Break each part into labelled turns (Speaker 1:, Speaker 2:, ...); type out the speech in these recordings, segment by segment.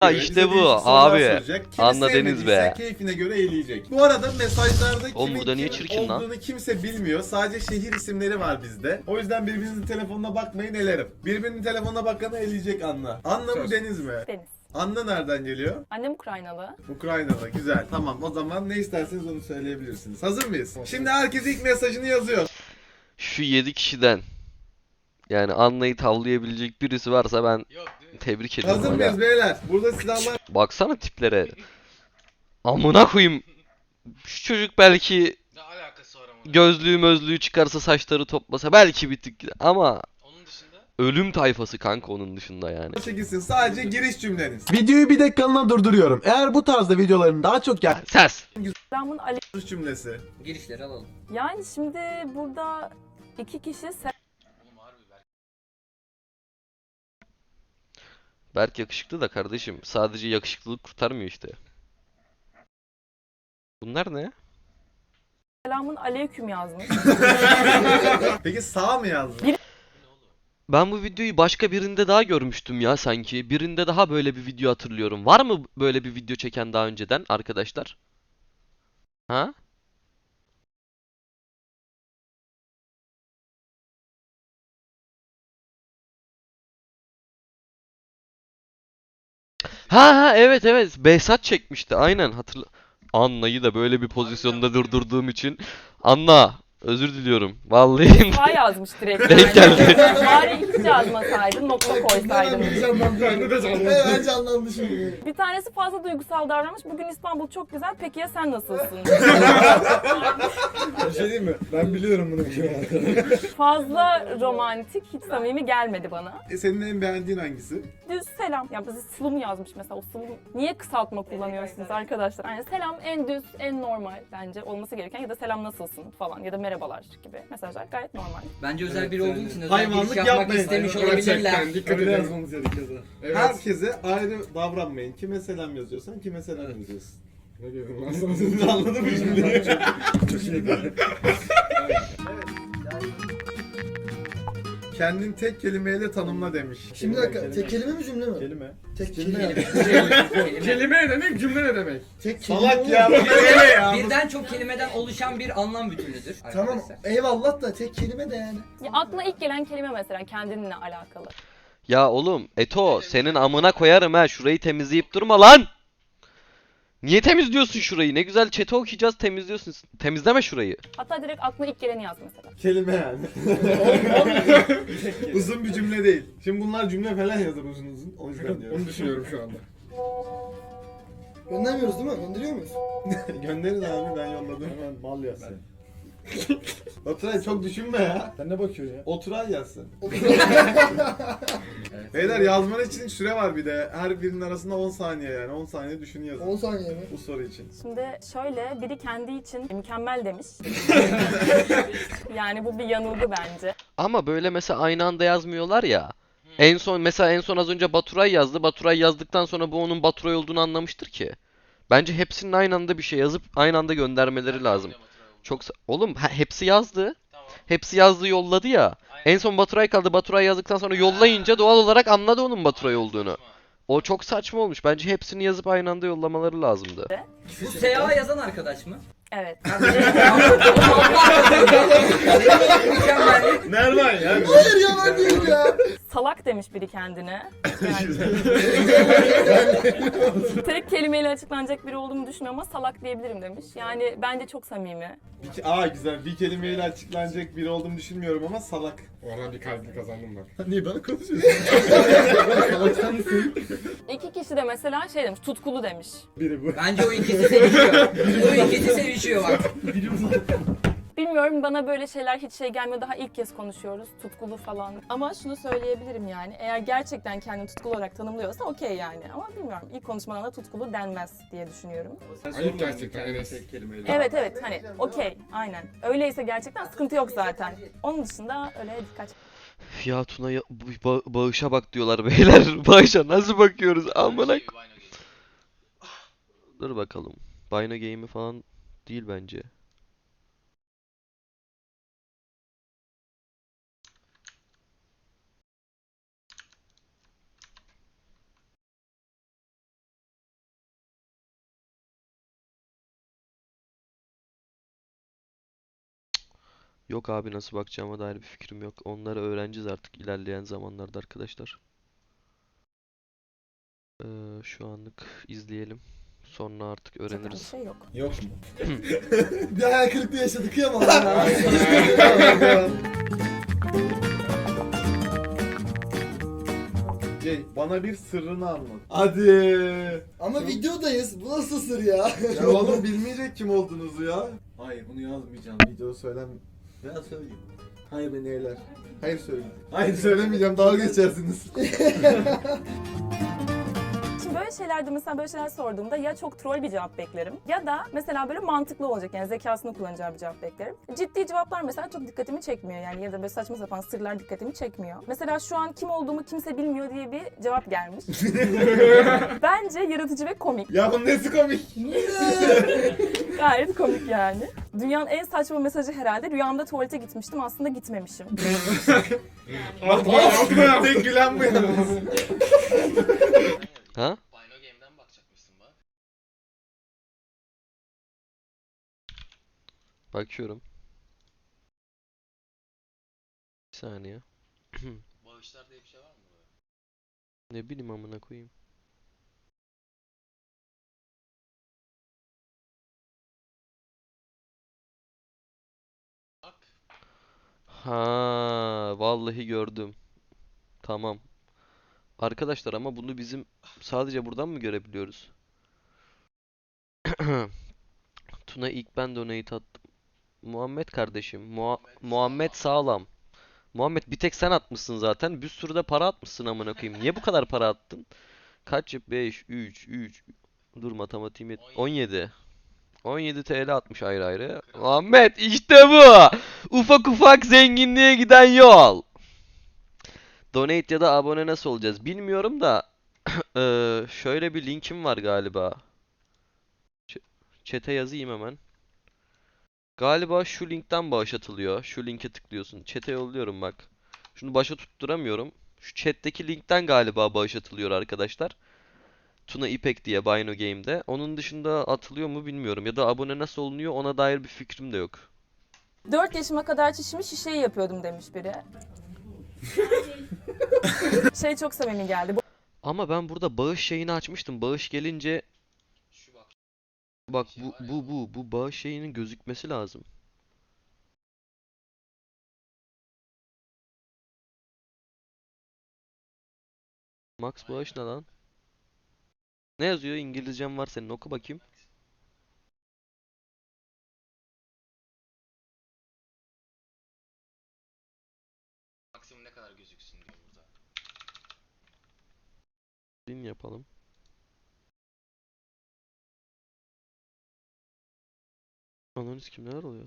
Speaker 1: Ha
Speaker 2: Bize
Speaker 1: işte bu
Speaker 2: değişik sorular
Speaker 1: abi.
Speaker 2: soracak. Kimi
Speaker 1: Anladınız
Speaker 2: sevmediyse
Speaker 1: be.
Speaker 2: keyfine göre eğleyecek. Bu arada mesajlarda
Speaker 1: Oğlum
Speaker 2: kimin
Speaker 1: burada niye
Speaker 2: kim
Speaker 1: çirkin lan?
Speaker 2: olduğunu kimse bilmiyor. Sadece şehir isimleri var bizde. O yüzden birbirinizin telefonuna bakmayın, elerim. Birbirinin telefonuna bakanı eleyecek Anna. Anna mı Deniz mi?
Speaker 3: Deniz.
Speaker 2: Anna nereden geliyor?
Speaker 3: Annem Ukraynalı.
Speaker 2: Ukrayna'da. Güzel. Tamam, o zaman ne isterseniz onu söyleyebilirsiniz. Hazır mıyız? Şimdi herkes ilk mesajını yazıyor.
Speaker 1: Şu 7 kişiden yani Anna'yı tavlayabilecek birisi varsa ben tebrik ediyorum.
Speaker 2: Hazır
Speaker 1: Aga.
Speaker 2: mıyız beyler? Burada silahlar
Speaker 1: Baksana tiplere. Amına koyayım. Şu çocuk belki
Speaker 4: Ne alakası var ama?
Speaker 1: gözlüğü mözlüğü çıkarsa saçları toplasa belki bir tık ama
Speaker 4: Onun dışında
Speaker 1: ölüm tayfası kanka onun dışında yani.
Speaker 2: çekilsin. Sadece giriş cümleniz.
Speaker 5: Videoyu bir dakikalığına durduruyorum. Eğer bu tarzda videoların daha çok
Speaker 1: Ses.
Speaker 3: Selamun aleyküm.
Speaker 2: Giriş cümlesi.
Speaker 6: Girişleri alalım.
Speaker 3: Yani şimdi burada iki kişi
Speaker 4: oğlum harbi belki.
Speaker 1: Berk yakışıklı da kardeşim. Sadece yakışıklılık kurtarmıyor işte. Bunlar ne?
Speaker 3: selamun aleyküm yazmış.
Speaker 2: Peki sağ mı yazdın?
Speaker 1: Ben bu videoyu başka birinde daha görmüştüm ya sanki. Birinde daha böyle bir video hatırlıyorum. Var mı böyle bir video çeken daha önceden arkadaşlar? Ha? Ha evet evet. Behzat çekmişti. Aynen hatırla. Anna'yı da böyle bir pozisyonda durdurduğum için. Anna özür diliyorum. Vallahi
Speaker 3: Sağ yazmış direkt.
Speaker 1: Denk geldi.
Speaker 3: Bari hiç yazmasaydın, nokta koysaydın.
Speaker 5: Hemen canlandı şimdi.
Speaker 3: Bir tanesi fazla duygusal davranmış. Bugün İstanbul çok güzel. Peki ya sen nasılsın?
Speaker 5: Bir şey diyeyim mi? Ben biliyorum bunu.
Speaker 3: Fazla romantik, hiç samimi gelmedi bana.
Speaker 2: Senin en beğendiğin hangisi?
Speaker 3: Düz selam. Ya bizi sıvı mı yazmış mesela? O sıvı niye kısaltma kullanıyorsunuz arkadaşlar? Yani selam en düz, en normal bence olması gereken ya da selam nasılsın falan ya da merhabalar gibi mesajlar gayet normal.
Speaker 6: Bence özel biri olduğu için özel
Speaker 2: Hayvanlık
Speaker 6: giriş yapmak
Speaker 2: yapmayın.
Speaker 6: istemiş
Speaker 2: Gerçekten
Speaker 6: olabilirler.
Speaker 5: Dikkat
Speaker 2: Öyle
Speaker 5: edin.
Speaker 2: yazmamız gerekiyordu. Herkese ayrı davranmayın. Kime selam yazıyorsan kime selam yazıyorsun.
Speaker 5: Ne diyorum ben sana?
Speaker 2: Anladın mı şimdi? Kendin tek kelimeyle tanımla demiş.
Speaker 7: Şimdi bir dakika, tek kelime mi cümle mi?
Speaker 2: Kelime.
Speaker 7: Tek
Speaker 6: Kelime.
Speaker 7: kelime.
Speaker 5: Kelime ne demek, cümle ne demek?
Speaker 7: Tek kelime
Speaker 2: Salak
Speaker 7: olur.
Speaker 2: ya bu ne ya?
Speaker 6: Birden çok kelimeden oluşan bir anlam bütünüdür.
Speaker 7: Tamam,
Speaker 6: arkadaşlar.
Speaker 7: eyvallah da tek kelime de yani.
Speaker 3: Ya aklına ilk gelen kelime mesela kendinle alakalı.
Speaker 1: Ya oğlum Eto senin amına koyarım ha şurayı temizleyip durma lan. Niye temizliyorsun şurayı? Ne güzel chat'i okuyacağız temizliyorsun. Temizleme şurayı.
Speaker 3: Hatta direkt aklına ilk geleni yaz mesela.
Speaker 2: Kelime yani. Uzun bir cümle değil. Şimdi bunlar cümle falan yazar uzun uzun. O yüzden diyorum.
Speaker 5: Onu düşünüyorum şu anda.
Speaker 7: Göndermiyoruz değil mi? Gönderiyor muyuz?
Speaker 2: Gönderin abi ben yolladım. Hemen mal yazsın. Oturay çok düşünme ya.
Speaker 5: Sen ne bakıyorsun ya?
Speaker 2: Oturay yazsın. Beyler yazman için süre var bir de. Her birinin arasında 10 saniye yani. 10 saniye düşün yazın
Speaker 7: 10 saniye mi?
Speaker 2: bu soru için.
Speaker 3: Şimdi şöyle biri kendi için mükemmel demiş. Yani bu bir yanılgı bence.
Speaker 1: Ama böyle mesela aynı anda yazmıyorlar ya. En son mesela en son az önce Baturay yazdı. Baturay yazdıktan sonra bu onun Baturay olduğunu anlamıştır ki. Bence hepsinin aynı anda bir şey yazıp aynı anda göndermeleri lazım. Çok oğlum hepsi yazdı.
Speaker 4: Tamam.
Speaker 1: Hepsi yazdı yolladı ya. En son Baturay kaldı. Baturay yazdıktan sonra yollayınca doğal olarak anladı onun Baturay olduğunu. O çok saçma olmuş. Bence hepsini yazıp aynı anda yollamaları lazımdı.
Speaker 6: Bu SA yazan arkadaş mı?
Speaker 3: Evet.
Speaker 6: Mükemmel.
Speaker 2: Nereden ya?
Speaker 7: Hayır ya ben değilim ya.
Speaker 3: Salak demiş biri kendine. Yani tek kelimeyle açıklanacak biri olduğumu düşünmüyorum ama salak diyebilirim demiş. Yani bence çok samimi.
Speaker 2: Güzel. Bir kelimeyle açıklanacak biri olduğumu düşünmüyorum ama salak.
Speaker 5: Oradan bir kalbini kazandım ben.
Speaker 7: Niye ben konuşuyorsun?
Speaker 2: Salak mısın?
Speaker 3: İki kişi de mesela şey demiş, tutkulu demiş.
Speaker 2: Biri bu.
Speaker 6: Bence o ikisi sevişiyor. O ikisi sevişiyor bak.
Speaker 3: Bilmiyorum bana böyle şeyler hiç şey gelmiyor. Daha ilk kez konuşuyoruz. Tutkulu falan. Ama şunu söyleyebilirim yani. Eğer gerçekten kendini tutkulu olarak tanımlıyorsa okey yani. Ama bilmiyorum. İlk konuşmadan da tutkulu denmez diye düşünüyorum.
Speaker 5: Ayıp gerçekten Enes.
Speaker 3: Evet evet hani okey aynen. Öyleyse gerçekten sıkıntı yok zaten. Onun dışında öyle dikkat.
Speaker 1: Ya Tuna'ya bağışa bak diyorlar beyler. Bağışa nasıl bakıyoruz? Amına. Dur bakalım. Bino Game'i falan değil bence. Yok abi, nasıl bakacağıma dair bir fikrim yok. Onları öğreneceğiz artık ilerleyen zamanlarda arkadaşlar. Şu anlık izleyelim. Sonra artık
Speaker 3: Zaten bir
Speaker 1: öğreniriz.
Speaker 3: şey yok.
Speaker 2: Yok mu?
Speaker 7: Bir hayal kırıklığı yaşadık ya ama.
Speaker 2: Bana bir sırrını anlat. Hadi.
Speaker 7: Ama videodayız. Bu nasıl sır ya?
Speaker 2: Ya oğlum bilmeyecek kim olduğunuzu ya. Hayır bunu yazmayacağım. Video söylem. Ya söyleyeyim. Hayır beni eğler. Hayır söyle. Hayır söylemeyeceğim. Dalga geçersiniz.
Speaker 3: Şimdi böyle şeylerde mesela böyle şeyler sorduğumda ya çok troll bir cevap beklerim ya da mesela böyle mantıklı olacak, yani zekasını kullanacağı bir cevap beklerim. Ciddi cevaplar mesela çok dikkatimi çekmiyor yani, ya da böyle saçma sapan sırlar dikkatimi çekmiyor. Mesela şu an kim olduğumu kimse bilmiyor diye bir cevap gelmiş. Bence yaratıcı ve komik.
Speaker 2: Ya bunun nesi komik?
Speaker 3: Gayet komik yani. Dünyanın en saçma mesajı herhalde, rüyamda tuvalete gitmiştim aslında gitmemişim.
Speaker 2: Tek gülen bu yalnız.
Speaker 1: Ha?
Speaker 4: Bino Game'den bakacakmışsın bak.
Speaker 1: Bakıyorum. Bir saniye.
Speaker 4: Bağışlar diye bir şey var mı böyle?
Speaker 1: Ne bileyim amına koyayım.
Speaker 4: Bak.
Speaker 1: Ha, vallahi gördüm. Tamam. Arkadaşlar ama bunu bizim sadece buradan mı görebiliyoruz? Tuna ilk ben donate attım. Muhammed kardeşim. Muhammed sağlam. Muhammed bir tek sen atmışsın zaten. Bir sürü de para atmışsın amına koyayım. Niye bu kadar para attın? Kaç? 5, 3. Dur matematiğim 17. 17 TL atmış ayrı ayrı. Muhammed işte bu. Ufak ufak zenginliğe giden yol. Donate ya da abone nasıl olacağız bilmiyorum da şöyle bir linkim var galiba. Chat'e yazayım hemen. Galiba şu linkten bağış atılıyor. Şu linke tıklıyorsun. Chat'e yolluyorum bak. Şunu başa tutturamıyorum. Şu chat'teki linkten galiba bağış atılıyor arkadaşlar. Tuna İpek diye Bino Game'de. Onun dışında atılıyor mu bilmiyorum. Ya da abone nasıl olunuyor ona dair bir fikrim de yok.
Speaker 3: 4 yaşıma kadar çişimi şişeyi yapıyordum demiş biri. Şey çok samimi geldi.
Speaker 1: Ama ben burada bağış şeyini açmıştım. Bağış gelince
Speaker 4: Şu bak.
Speaker 1: bak bu bağış şeyinin gözükmesi lazım. Max bağış ne lan? Ne yazıyor? İngilizcem var senin. Oku bakayım.
Speaker 4: Maksimum ne kadar gözüksün diyor burada.
Speaker 1: Din yapalım. Ananız kim neler oluyor?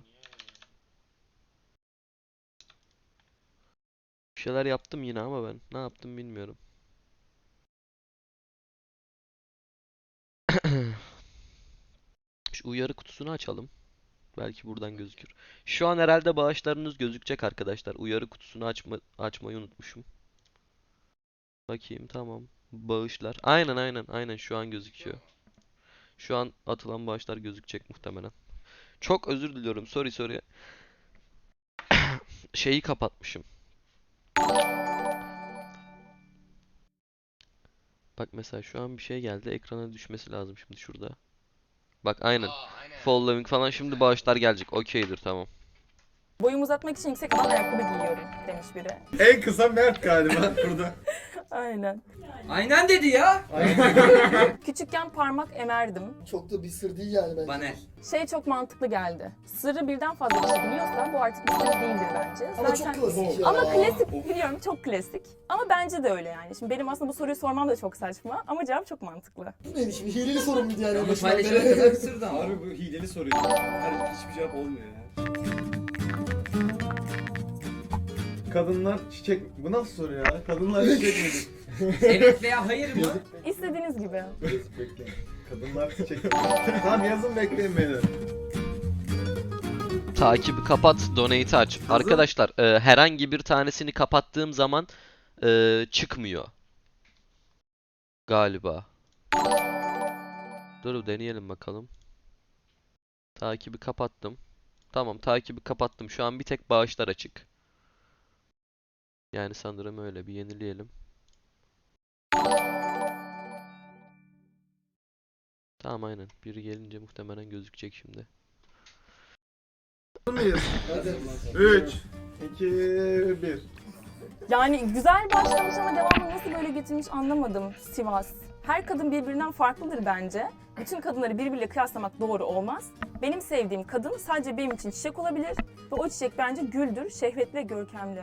Speaker 1: Bir şeyler yaptım yine ama ben. Ne yaptım bilmiyorum. Şu uyarı kutusunu açalım. Belki buradan gözükür. Şu an herhalde bağışlarınız gözükecek arkadaşlar. Uyarı kutusunu açmayı unutmuşum. Bakayım tamam. Bağışlar. Aynen şu an gözüküyor. Şu an atılan bağışlar gözükecek muhtemelen. Çok özür diliyorum. Sorry. Şeyi kapatmışım. Bak mesela şu an bir şey geldi. Ekrana düşmesi lazım şimdi şurada. Bak aynen.
Speaker 4: Aynen.
Speaker 1: Following falan şimdi bağışlar gelecek. Okeydir tamam.
Speaker 3: Boyumu uzatmak için yüksek alan ayakkabı giyiyorum demiş biri.
Speaker 2: En kısa Mert galiba burada.
Speaker 3: Aynen.
Speaker 6: Aynen dedi ya.
Speaker 3: Küçükken parmak emerdim.
Speaker 7: Çok da bir sır değil yani bence.
Speaker 6: Bana.
Speaker 3: Şey çok mantıklı geldi. Sırrı birden fazla kişi biliyorsa bu artık bir sır değildir bence.
Speaker 7: Ama çok klasik ya.
Speaker 3: Ama klasik biliyorum, çok klasik. Ama bence de öyle yani. Şimdi benim aslında bu soruyu sormam da çok saçma ama cevap çok mantıklı.
Speaker 7: Bu neymiş? Bir hileli sorun muydu yani?
Speaker 6: Ama
Speaker 7: başından
Speaker 6: paylaşana
Speaker 7: beri?
Speaker 6: kadar sırdı ama.
Speaker 8: Harbi bu hileli soruyor. Her hiçbir cevap olmuyor ya.
Speaker 2: Kadınlar çiçek... Bu nasıl soru ya? Kadınlar çiçek midir?
Speaker 6: Evet veya hayır mı?
Speaker 3: İstediğiniz gibi.
Speaker 2: Bekleyin. Kadınlar çiçek Tamam yazın bekleyin beni.
Speaker 1: Takibi kapat, donate'i aç. Arkadaşlar herhangi bir tanesini kapattığım zaman çıkmıyor. Galiba. Dur deneyelim bakalım. Takibi kapattım. Tamam, takibi kapattım. Şu an bir tek bağışlar açık. Yani sanırım öyle. Bir yenileyelim. Tamam, aynen. Biri gelince muhtemelen gözükecek şimdi.
Speaker 2: Hazır mıyız?
Speaker 7: Hadi.
Speaker 2: 3, 2, 1.
Speaker 3: Yani güzel başlamış ama devamını nasıl böyle getirmiş anlamadım Sivas. Her kadın birbirinden farklıdır bence. Bütün kadınları birbiriyle kıyaslamak doğru olmaz. Benim sevdiğim kadın sadece benim için çiçek olabilir ve o çiçek bence güldür, şehvetli ve görkemli.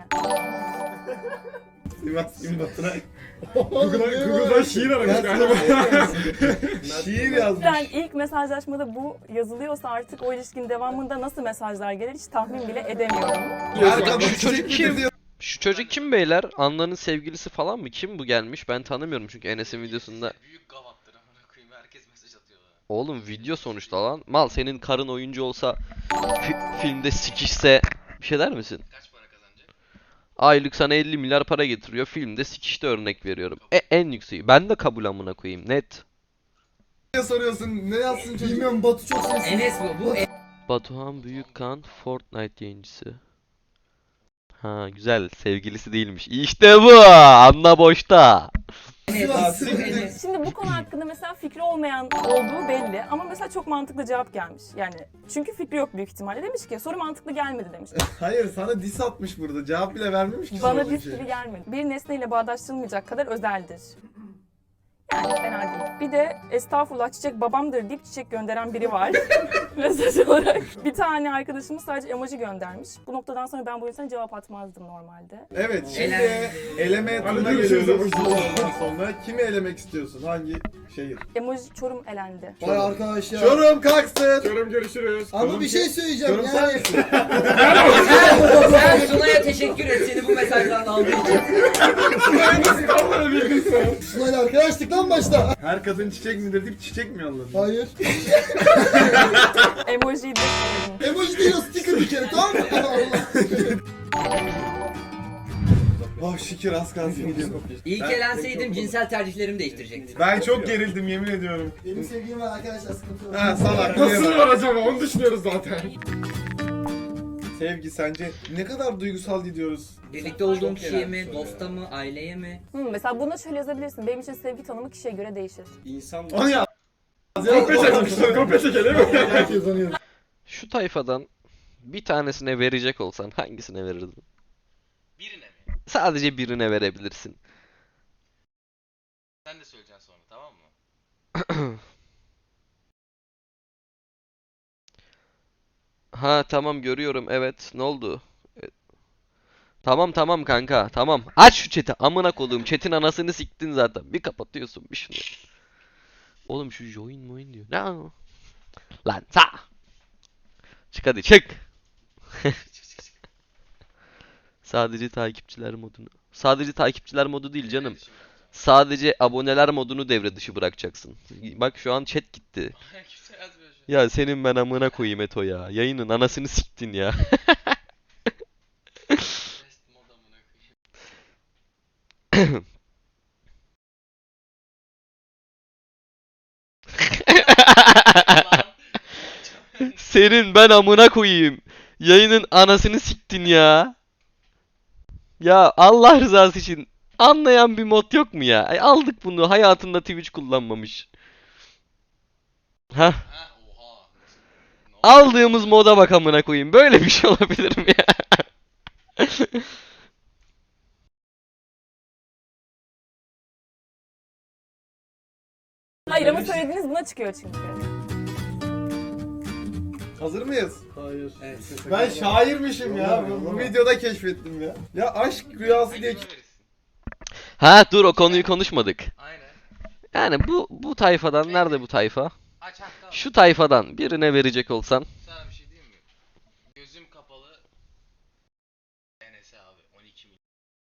Speaker 2: Sivas Gün Baturay.
Speaker 8: Google'dan şiir aramış galiba.
Speaker 2: Şiir yazmış.
Speaker 3: Yani ilk mesajlaşmada bu yazılıyorsa artık o ilişkinin devamında nasıl mesajlar gelir hiç tahmin bile edemiyorum.
Speaker 2: Her kadın
Speaker 1: Şu çocuk
Speaker 2: çiçek
Speaker 1: kim?
Speaker 2: mi diyor?
Speaker 1: Şu çocuk kim beyler? Anna'nın sevgilisi falan mı? Kim bu gelmiş? Ben tanımıyorum çünkü Enes'in videosunda.
Speaker 4: Büyük gavattır amına koyayım. Herkes mesaj atıyor bana.
Speaker 1: Oğlum video sonuçta lan. Mal, senin karın oyuncu olsa filmde sikişse bir şey der misin?
Speaker 4: Kaç para kazanacak?
Speaker 1: Aylık sana 50 milyar para getiriyor. Filmde sikişte örnek veriyorum. En yükseği. Ben de kabul amına koyayım. Net.
Speaker 2: Ne soruyorsun? Ne yazsın çocuk?
Speaker 7: Bilmiyorum Batu çok sesli.
Speaker 6: Enes bu.
Speaker 1: Batuhan Büyükkan Fortnite yayıncısı. Ha, güzel. Sevgilisi değilmiş. İşte bu. Anla boşta.
Speaker 6: Enes.
Speaker 3: Şimdi bu konu hakkında mesela fikri olmayan olduğu belli ama mesela çok mantıklı cevap gelmiş. Yani çünkü fikri yok büyük ihtimalle. Demiş ki soru mantıklı gelmedi demiş.
Speaker 2: Hayır, sana diss atmış burada. Cevap bile vermemiş ki
Speaker 3: Bana
Speaker 2: sorduğun
Speaker 3: diss
Speaker 2: şeye.
Speaker 3: gibi gelmedi. Bir nesneyle bağdaştırılmayacak kadar özeldir. Yani fena değil. Bir de estağfurullah çiçek babamdır deyip çiçek gönderen biri var. Mesaj olarak. Bir tane arkadaşımız sadece emoji göndermiş. Bu noktadan sonra ben bu insana cevap atmazdım normalde.
Speaker 2: Evet, şimdi
Speaker 6: Elendi.
Speaker 2: eleme turuna
Speaker 8: Hadi görüşürüz
Speaker 2: geliyoruz.
Speaker 8: ama.
Speaker 2: Ondan sonra kimi elemek istiyorsun? Hangi şehir?
Speaker 3: Emoji Çorum elendi.
Speaker 7: Vay arkadaş ya.
Speaker 2: Çorum kalksın.
Speaker 8: Çorum görüşürüz.
Speaker 7: Ama bir şey söyleyeceğim
Speaker 2: Çorum sen
Speaker 7: yani.
Speaker 2: misin?
Speaker 6: Sen Sunay'a teşekkür et seni bu mesajdan aldığı için.
Speaker 7: Sunay'la arkadaşlık lan başta.
Speaker 2: Her kadın çiçek midir deyip çiçek mi yolladın?
Speaker 7: Hayır.
Speaker 3: Emojiyi de
Speaker 7: Emoji değil o sticker bir kere tamam mı? Allah.
Speaker 2: Oh şükür az kalsın gidiyorum.
Speaker 6: İlk elenseydim cinsel tercihlerimi değiştirecektim.
Speaker 2: Ben çok gerildim yemin ediyorum.
Speaker 7: Benim sevgilim var arkadaşlar sıkıntı yok.
Speaker 2: Ha salak.
Speaker 8: Nasıl var acaba? Onu düşünüyoruz zaten.
Speaker 2: Sevgi sence ne kadar duygusal gidiyoruz?
Speaker 6: Birlikte olduğum kişiye mi, dosta mı, aileye mi?
Speaker 3: Mesela buna şöyle yazabilirsin. Benim için sevgi tanımı kişiye göre değişir.
Speaker 8: İnsan
Speaker 2: Onu ya.
Speaker 8: kopya çekmişler. Kopya çekelim mi?
Speaker 7: Herkes anıyor.
Speaker 1: Şu tayfadan bir tanesine verecek olsan hangisine verirdin?
Speaker 4: Birine mi?
Speaker 1: Sadece birine verebilirsin.
Speaker 4: Sen de söyleyeceksin sonra, tamam mı?
Speaker 1: Ha tamam, görüyorum, evet, ne oldu? Tamam kanka, tamam. Aç şu chat'i, amına koduğum chat'in anasını siktin zaten. Bir kapatıyorsun bir şunu. Oğlum şu join diyor. Ne o? Lan sa. Çık hadi çık. Sadece takipçiler modunu. Sadece takipçiler modu değil canım. Sadece aboneler modunu devre dışı bırakacaksın. Bak şu an chat gitti.
Speaker 4: Kimse yazmıyor şu an.
Speaker 1: Ya senin ben amına koyayım Eto ya. Yayının anasını siktin ya.
Speaker 4: Rest mod amına koyayım.
Speaker 1: Senin ben amına koyayım. Yayının anasını siktin ya. Ya Allah rızası için anlayan bir mod yok mu ya? Aldık bunu, hayatında Twitch kullanmamış. Hah.
Speaker 4: Ha oha. Ne oldu?
Speaker 1: Aldığımız moda bak amına koyayım. Böyle bir şey olabilir mi ya?
Speaker 3: Hayır ama söylediğiniz buna çıkıyor çünkü.
Speaker 2: Hazır mıyız?
Speaker 7: Hayır.
Speaker 6: Evet.
Speaker 2: Ben şairmişim ya. Bu videoda keşfettim ya. Ya aşk rüyası diye
Speaker 4: Kime verirsin?
Speaker 1: Ha dur, o konuyu konuşmadık.
Speaker 4: Aynen.
Speaker 1: Yani bu tayfadan, nerede bu tayfa?
Speaker 4: Aç hatta.
Speaker 1: Şu tayfadan birine verecek olsan.
Speaker 4: Sana bir şey diyeyim mi? Gözüm kapalı. Enes'e abi 12 milyon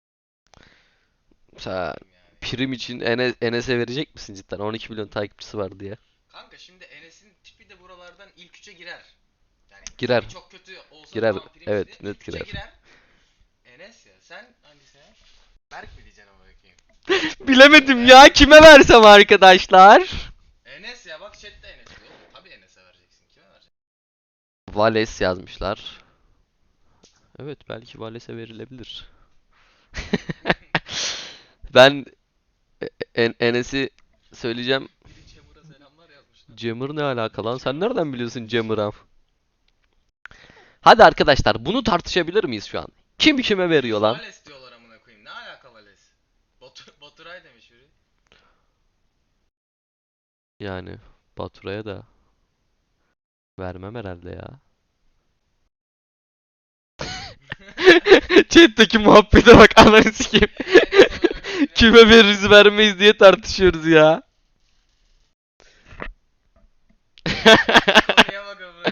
Speaker 1: Sen
Speaker 4: yani.
Speaker 1: prim için Enes'e verecek misin cidden? 12 milyon takipçisi var diye.
Speaker 4: Kanka şimdi Enes'in tipi de buralardan ilk 3'e girer. Yani
Speaker 1: Girer.
Speaker 4: tipi çok kötü olsa
Speaker 1: Girer,
Speaker 4: tamam, prim
Speaker 1: evet,
Speaker 4: istedi,
Speaker 1: net
Speaker 4: ilk üçe
Speaker 1: girer.
Speaker 4: Enes ya, sen hangisine? Berk mi diyeceksin ama bakayım?
Speaker 1: Bilemedim ya, kime versem arkadaşlar?
Speaker 4: Enes ya, bak chatte Enes diyor. Tabii Enes'e vereceksin. Kime vereceksin?
Speaker 1: Vales yazmışlar. Evet, belki Vales'e verilebilir. Ben Enes'i söyleyeceğim.
Speaker 4: Biri Çamur'a selamlar yazmışlar.
Speaker 1: Cemur ne alaka lan? Sen nereden biliyorsun Cemur'a? Hadi arkadaşlar, bunu tartışabilir miyiz şu an? Kim kime veriyor lan?
Speaker 4: Vales diyorlar amına koyayım. Ne alaka Vales? Baturay demiş biri.
Speaker 1: Yani Baturay'a da vermem herhalde ya. Chat'teki muhabbete bak, ananı sikeyim. Kime veririz vermeyiz diye tartışıyoruz ya.
Speaker 4: Konuya bak amına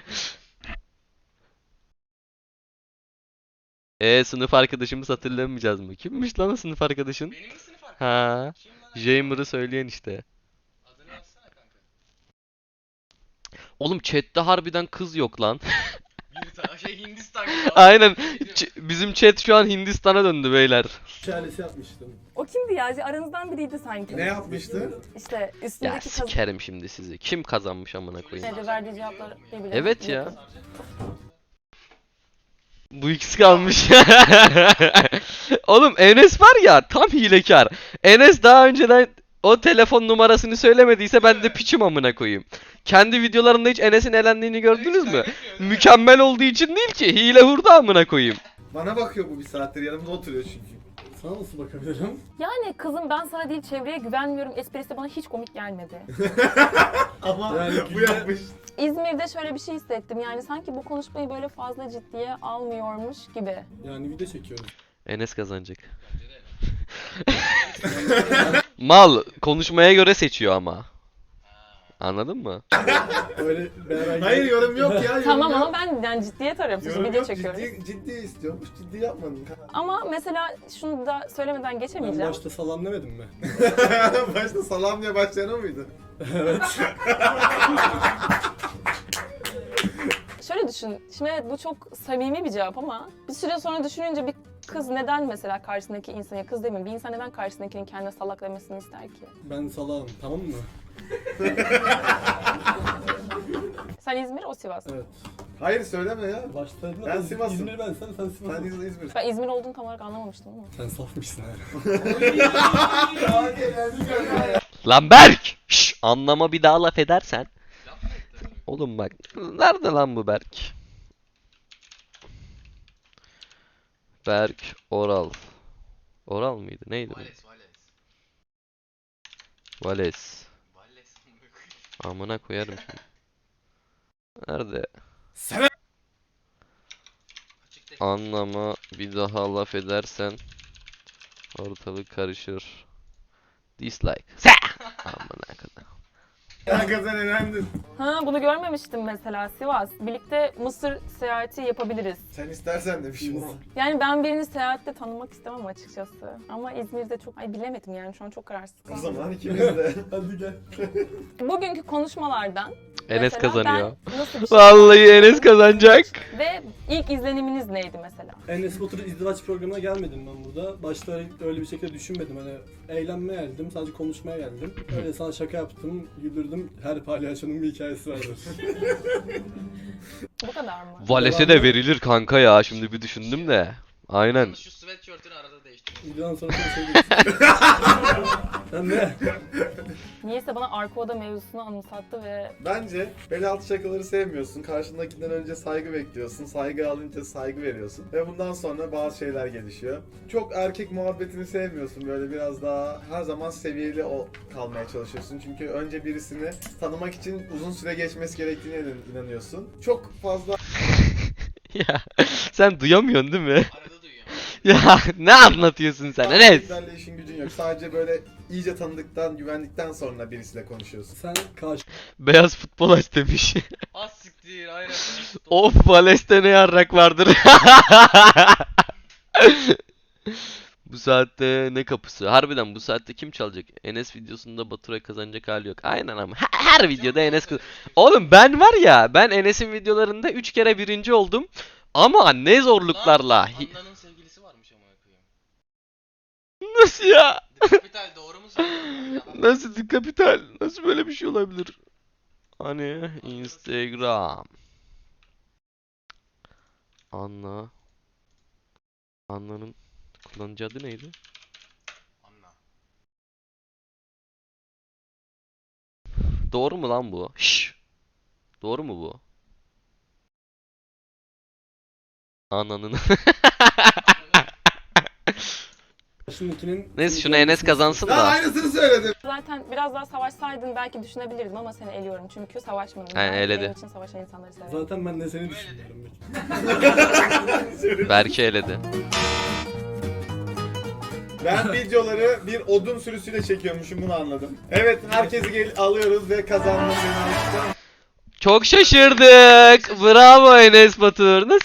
Speaker 4: koyayım.
Speaker 1: Sınıf arkadaşımız hatırlamayacağız mı? Kimmiş lan o sınıf arkadaşın?
Speaker 4: Benim mi sınıf arkadaşım?
Speaker 1: Ha,
Speaker 4: Kim lan?
Speaker 1: Jamer'ı söyleyen işte.
Speaker 4: Adını yazsana kanka.
Speaker 1: Oğlum chat'te harbiden kız yok lan.
Speaker 4: Bir tane Hindistan gibi.
Speaker 1: Aynen. Bizim chat şu an Hindistan'a döndü beyler.
Speaker 7: Şelalesi yapmıştım.
Speaker 3: O kimdi ya? Aranızdan biriydi sanki.
Speaker 2: Ne yapmıştı?
Speaker 3: İşte
Speaker 1: Ya
Speaker 3: üstündeki kazı
Speaker 1: sikerim şimdi sizi. Kim kazanmış amına koyayım?
Speaker 3: verdiği cevaplar birbirine
Speaker 1: Evet ya.
Speaker 3: yakın.
Speaker 1: Bu ikisi kalmış. Oğlum Enes var ya, tam hilekar. Enes daha önceden o telefon numarasını söylemediyse ben de piçim amına koyayım. Kendi videolarında hiç Enes'in elendiğini gördünüz mü? Mükemmel olduğu için değil ki, hile hurda amına koyayım.
Speaker 2: Bana bakıyor bu bir saattir, yanımda oturuyor çünkü.
Speaker 7: Sana nasıl bakabilirim?
Speaker 3: Yani kızım ben sana değil çevreye güvenmiyorum esprisi bana hiç komik gelmedi.
Speaker 2: Ama
Speaker 7: Yani
Speaker 2: bu yapmış.
Speaker 3: İzmir'de şöyle bir şey hissettim yani sanki bu konuşmayı böyle fazla ciddiye almıyormuş gibi.
Speaker 7: Yani video çekiyoruz.
Speaker 1: Enes kazanacak. Mal konuşmaya göre seçiyor ama. Anladın mı?
Speaker 7: Öyle beraber...
Speaker 2: Hayır, yorum yok ya. Yorum
Speaker 3: Tamam
Speaker 2: yok.
Speaker 3: ama ben yani ciddiye tarıyorum çünkü
Speaker 2: Yorum
Speaker 3: video
Speaker 2: yok,
Speaker 3: çekiyoruz.
Speaker 2: ciddi istiyormuş, ciddi yapmadın.
Speaker 3: Ama mesela şunu da söylemeden
Speaker 7: Ben
Speaker 3: geçemeyeceğim.
Speaker 7: başta salam demedim mi?
Speaker 2: Başta salam diye başlayan o muydu?
Speaker 3: Şöyle düşün, şimdi evet bu çok samimi bir cevap ama bir süre sonra düşününce bir kız neden mesela karşısındaki insana, kız demeyeyim, bir insan neden karşısındakinin kendine salak demesini ister ki?
Speaker 7: Ben salam, tamam mı?
Speaker 3: Sen İzmir, o Sivas.
Speaker 7: Evet.
Speaker 2: Hayır, söyleme ya.
Speaker 7: Başta dedim
Speaker 2: Ben
Speaker 7: ben
Speaker 2: Sivas'ım.
Speaker 7: İzmir ben sen Sivas.
Speaker 2: Sen İzmir.
Speaker 3: Ben İzmir olduğunu tam olarak anlamamıştım ama.
Speaker 7: Sen safmışsın ha.
Speaker 1: Lan Berk! Şş, anlama bir daha laf edersen.
Speaker 4: Laf mı etti?
Speaker 1: Oğlum bak. Nerede lan bu Berk? Berk Oral. Oral mıydı? Neydi bu?
Speaker 4: Vales.
Speaker 1: Vales.
Speaker 4: Vales amına koyayım.
Speaker 1: Amına koyarım şimdi. Nerede?
Speaker 4: Açık tek.
Speaker 1: Anlama bir daha laf edersen ortalık karışır. Dislike. Amına kadar.
Speaker 2: Kanka sen elendin.
Speaker 3: Ha bunu görmemiştim mesela Sivas. Birlikte Mısır seyahati yapabiliriz.
Speaker 2: Sen istersen de bir şey olur.
Speaker 3: Yani ben birini seyahatte tanımak istemem açıkçası. Ama İzmir'de çok, ay bilemedim yani şu an çok kararsız
Speaker 2: O
Speaker 3: kaldım.
Speaker 2: zaman ikimiz de.
Speaker 7: Hadi gel.
Speaker 3: Bugünkü konuşmalardan
Speaker 1: Enes
Speaker 3: mesela
Speaker 1: kazanıyor.
Speaker 3: ben nasıl bir şey
Speaker 1: Vallahi Enes kazanacak.
Speaker 3: ve ilk izleniminiz neydi mesela?
Speaker 7: Enes Batur izdivaç programına gelmedim ben burada. Başta öyle bir şekilde düşünmedim. Hani eğlenmeye geldim, sadece konuşmaya geldim. Öyle sana şaka yaptım, güldürdüm. Her palyaçonun bir hikayesi vardır.
Speaker 3: Bu kadar mı?
Speaker 1: Vales'e de verilir kanka ya, şimdi bir düşündüm de. Aynen.
Speaker 4: Yalnız şu sweatshirt'ünü arada değiştir.
Speaker 7: Videodan sonra konuşabiliriz. Sen ne?
Speaker 3: Niyeyse bana arka oda mevzusunu anımsattı ve
Speaker 2: Bence bel altı şakaları sevmiyorsun. Karşındakinden önce saygı bekliyorsun. Saygı alınca saygı veriyorsun. Ve bundan sonra bazı şeyler gelişiyor. Çok erkek muhabbetini sevmiyorsun. Böyle biraz daha her zaman seviyeli kalmaya çalışıyorsun. Çünkü önce birisini tanımak için uzun süre geçmesi gerektiğine inanıyorsun. Çok fazla
Speaker 1: Ya sen duyamıyorsun değil mi?
Speaker 4: Arada duyuyorum.
Speaker 1: Ya ne anlatıyorsun sen Enes?
Speaker 2: erkeklerle işin gücün yok. Sadece böyle iyice tanıdıktan, güvendikten sonra birisiyle konuşuyorsun.
Speaker 7: Sen karşı
Speaker 1: Beyaz futbol aç demiş.
Speaker 4: Az siktir aynen.
Speaker 1: Of, Vales'te ne yarrak vardır. Bu saatte ne kapısı? Harbiden bu saatte kim çalacak? Enes videosunda Baturay kazanacak hali yok. Aynen ama her videoda Enes Oğlum ben var ya, ben Enes'in videolarında 3 kere birinci oldum. Ama ne zorluklarla.
Speaker 4: Anna'nın sevgilisi varmış amına koyayım.
Speaker 1: Nasıl ya?
Speaker 4: Kapital doğru mu söylüyorum?
Speaker 1: Nasıl kapital? Nasıl böyle bir şey olabilir? Hani Instagram. Anna. Anna'nın kullanıcı adı neydi?
Speaker 4: Anla.
Speaker 1: Doğru mu lan bu? Şşş. Doğru mu bu? Anna'nın.
Speaker 7: Şimdikinin...
Speaker 1: Neyse şunu Enes kazansın
Speaker 2: Lan
Speaker 1: da.
Speaker 2: aynısını söyledim.
Speaker 3: Zaten biraz daha savaşsaydın belki düşünebilirdim ama seni eliyorum çünkü savaşmadın.
Speaker 1: He,
Speaker 3: Ben
Speaker 1: eledi.
Speaker 3: benim için savaşan insanları severim.
Speaker 7: Zaten ben de seni düşünüyorum.
Speaker 1: Berke eledi.
Speaker 2: Ben videoları bir odun sürüsüyle çekiyormuşum, bunu anladım. Evet, herkesi alıyoruz ve kazandım.
Speaker 1: Çok şaşırdık. Bravo Enes Batur. Nasıl